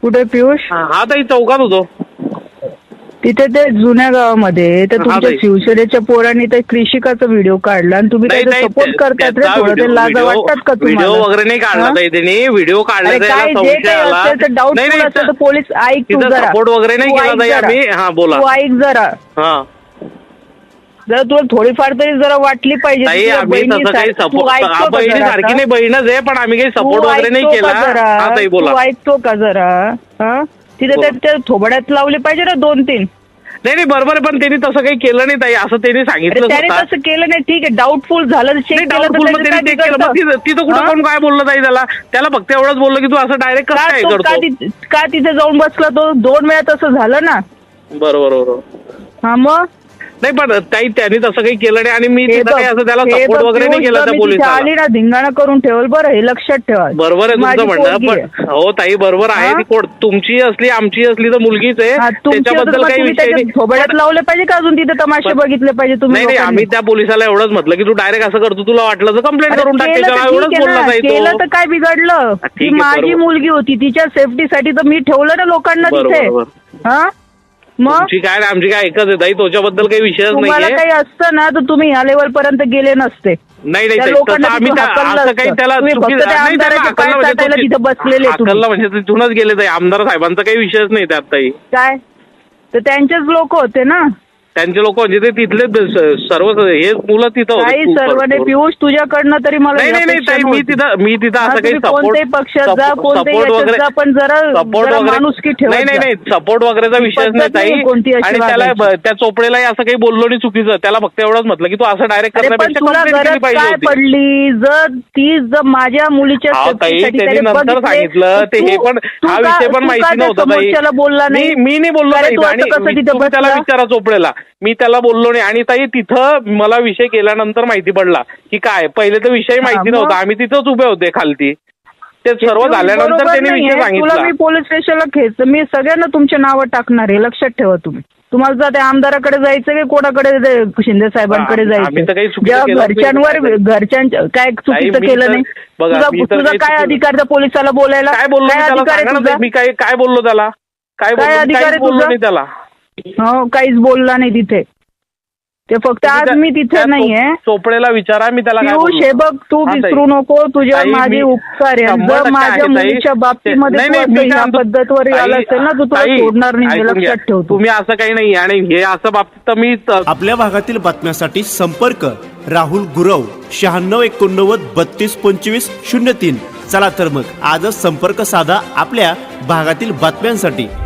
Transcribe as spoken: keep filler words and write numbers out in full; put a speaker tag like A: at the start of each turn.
A: कुठे पियुष?
B: हा ताई चौकात होतो
A: तिथे ते जुन्या गावामध्ये तर तुमच्या शिवसेनेच्या पोरांनी ते कृषिकाचा व्हिडिओ काढला आणि तुम्ही त्याचा सपोर्ट करतात रे. थोडं ते लाज वाटतात का तुम्हाला?
B: व्हिडिओ वगैरे नाही काढला ताई त्यांनी, व्हिडिओ काढला
A: काय जे काही असेल तर डाऊटफुल असेल तर पोलीस ऐक तू जरा.
B: सपोर्ट वगैरे नाही केला ताई आम्ही. हा बोला.
A: तू ऐक जरा.
B: हा
A: जरा तुला थोडीफार तरी जरा वाटली पाहिजे.
B: बहिणी सारखी नाही, बहीणच आहे, पण आम्ही काही सपोर्ट वगैरे नाही केला. हा ताई बोला.
A: तू ऐकतो का जरा? हा तिथे त्या थोबड्यात लावले पाहिजे ना दोन तीन.
B: नाही नाही बरोबर आहे, पण त्यांनी तसं काही केलं नाही ताई, असं त्यांनी सांगितलं.
A: त्याने तसं केलं नाही, ठीक आहे. डाऊटफुल झालं, चेक केलं.
B: तिथं कुठं कोण काय बोललं ताई त्याला? त्याला फक्त एवढंच बोललं की तू असं डायरेक्ट कसं काय करतो?
A: का तिथे जाऊन बसला तो? दोन वेळा तसं झालं ना.
B: बरोबर बरोबर.
A: हा मग
B: नाही पण ताई त्यांनी तसं काही केलं नाही आणि मी तिथं काही असं त्याला सपोर्ट वगैरे नाही केला त्या पोलिसाला.
A: आली ना धिंगाणा करून ठेवल बरं, हे लक्षात ठेवा.
B: बरोबर आहे तुमचं म्हणणं, पण हो ताई बरोबर आहे. ती कोण तुमची असली आमची असली तर मुलगीच आहे, त्याच्याबद्दल काही विषय नाही.
A: थोबड्यात लावले पाहिजे का अजून तिथे तमाशे बघितले पाहिजे तुम्ही?
B: नाही आम्ही त्या पोलिसाला एवढंच म्हटलं की तू डायरेक्ट असं करतो, तुला वाटलं तर कंप्लेंट करून टाक. एवढंच बोलला ताई.
A: केलं तर काय बिघडलं? ती माझी मुलगी होती, तिच्या सेफ्टीसाठी तर मी ठेवलं ना लोकांना तिथे. हा मग
B: तुमची काय आमची काय एकच आहे ताई, त्याच्याबद्दल काही विषयच नाही.
A: तुम्हाला काही असतं ना तर तुम्ही ह्या लेवल पर्यंत गेले नसते.
B: नाही नाही आम्ही असं काही त्याला
A: बसलेले
B: म्हणजे तिथूनच गेले ताई. आमदार साहेबांचा काही विषयच नाही त्यात ताई.
A: काय तर त्यांचेच लोक होते ना,
B: त्यांचे लोक म्हणजे ते तिथले सर्व हे मुलं तिथं
A: काही सर्व नाही. पियुष तुझ्याकडनं तरी मला
B: नाही नाही ताई, मी तिथं मी तिथं असं काही
A: कोणत्याही पक्षात जा,
B: सपोर्ट वगैरे
A: पण जरा
B: सपोर्ट वगैरे नाही नाही नाही सपोर्ट वगैरेचा विषयच नाही ताई. आणि त्याला त्या चोपडेलाही असं काही बोललो नाही चुकीचं. त्याला फक्त एवढंच म्हटलं की तू असं डायरेक्ट करण्यापेक्षा
A: काय पडली जर ती जर माझ्या मुलीच्या
B: नंतर सांगितलं ते हे पण हा विषय पण माहिती नव्हता ताई.
A: बोलला नाही,
B: मी नाही बोललो ताई. आणि त्याला विचारा चोपडेला, मी त्याला बोललो नाही. आणि ताई तिथं मला विषय केल्यानंतर माहिती पडला की काय, पहिले तर विषय माहिती नव्हता, आम्ही तिथंच उभे होते खालती. ते सर्व झाल्यानंतर त्यांनी विषय सांगितला.
A: मी पोलीस स्टेशनला खेच मी सगळ्यांना तुमचे नावं टाकणार आहे, लक्षात ठेवा तुम्ही. तुम्हाला जर त्या आमदाराकडे जायचं की कोणाकडे, शिंदे साहेबांकडे जायचं. घरच्यांवर घरच्यांच्या काय चुकीचं केलं नाही. तुझा काय अधिकार त्या पोलिसाला बोलायला?
B: काय बोललो मी? काय काय बोललो त्याला? काय अधिकार बोललो नाही त्याला?
A: हो काहीच बोलला नाही तिथे. ते फक्त आज मी तिथे नाहीये.
B: चोपडेला विचारा, मी त्याला
A: पियुष हे बघ तू विसरू नको, तुझ्या माझे उपकार आहे. जर माझ्या मुलीच्या बाबतीमध्ये ह्या पद्धतवर आला असेल ना तू तुला सोडणार नाही, लक्षात ठेव.
B: तुम्ही असं काही नाही. आणि हे असं बाबतीत तर मी
C: आपल्या भागातील बातम्यांसाठी संपर्क राहुल गुरव शहाण्णव एकोणनव्वद बत्तीस पंचवीस शून्य तीन. चला तर मग आजच संपर्क साधा आपल्या भागातील बातम्यांसाठी.